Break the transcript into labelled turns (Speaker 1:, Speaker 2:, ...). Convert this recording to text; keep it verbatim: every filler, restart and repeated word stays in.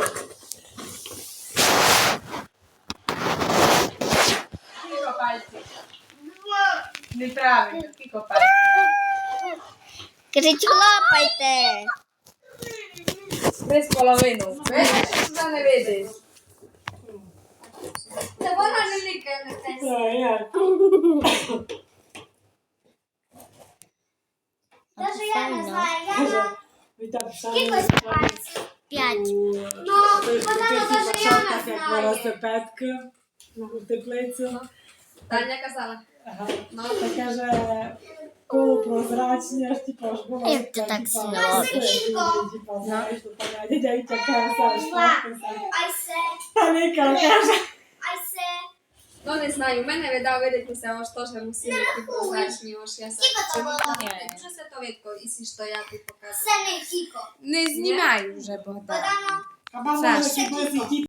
Speaker 1: Скільки пальців? Неправильно, скільки пальців?
Speaker 2: Кажіть, хлопайте.
Speaker 1: Три з половиною. Видиш, що туди не видиш?
Speaker 3: Та вона не лікає на те. Даже я не знаю, я на кількось пальців.
Speaker 2: П'ять.
Speaker 3: Ну, вона даже я не
Speaker 4: Як
Speaker 3: знаю.
Speaker 4: велосипедка у теплицю.
Speaker 1: Таня казала.
Speaker 4: Ага. Таке же полупрозрачне, аж типу аж було.
Speaker 2: Як ти так
Speaker 4: типа,
Speaker 2: зробиш?
Speaker 4: типа, типа, знаєш, що там, дядя Вітя каже,
Speaker 3: I said,
Speaker 4: Таніка каже.
Speaker 3: I said.
Speaker 1: Ну не знаю, в мене видав видатися, аж теж мусили ті прозрачні, аж я
Speaker 3: Скільки то було?
Speaker 1: Що це то видко, і що я тобі показую?
Speaker 3: Це не кіко.
Speaker 1: Не знімай вже, Богдан.
Speaker 3: Богдано.
Speaker 4: А мама
Speaker 1: Саш.
Speaker 4: вже хіба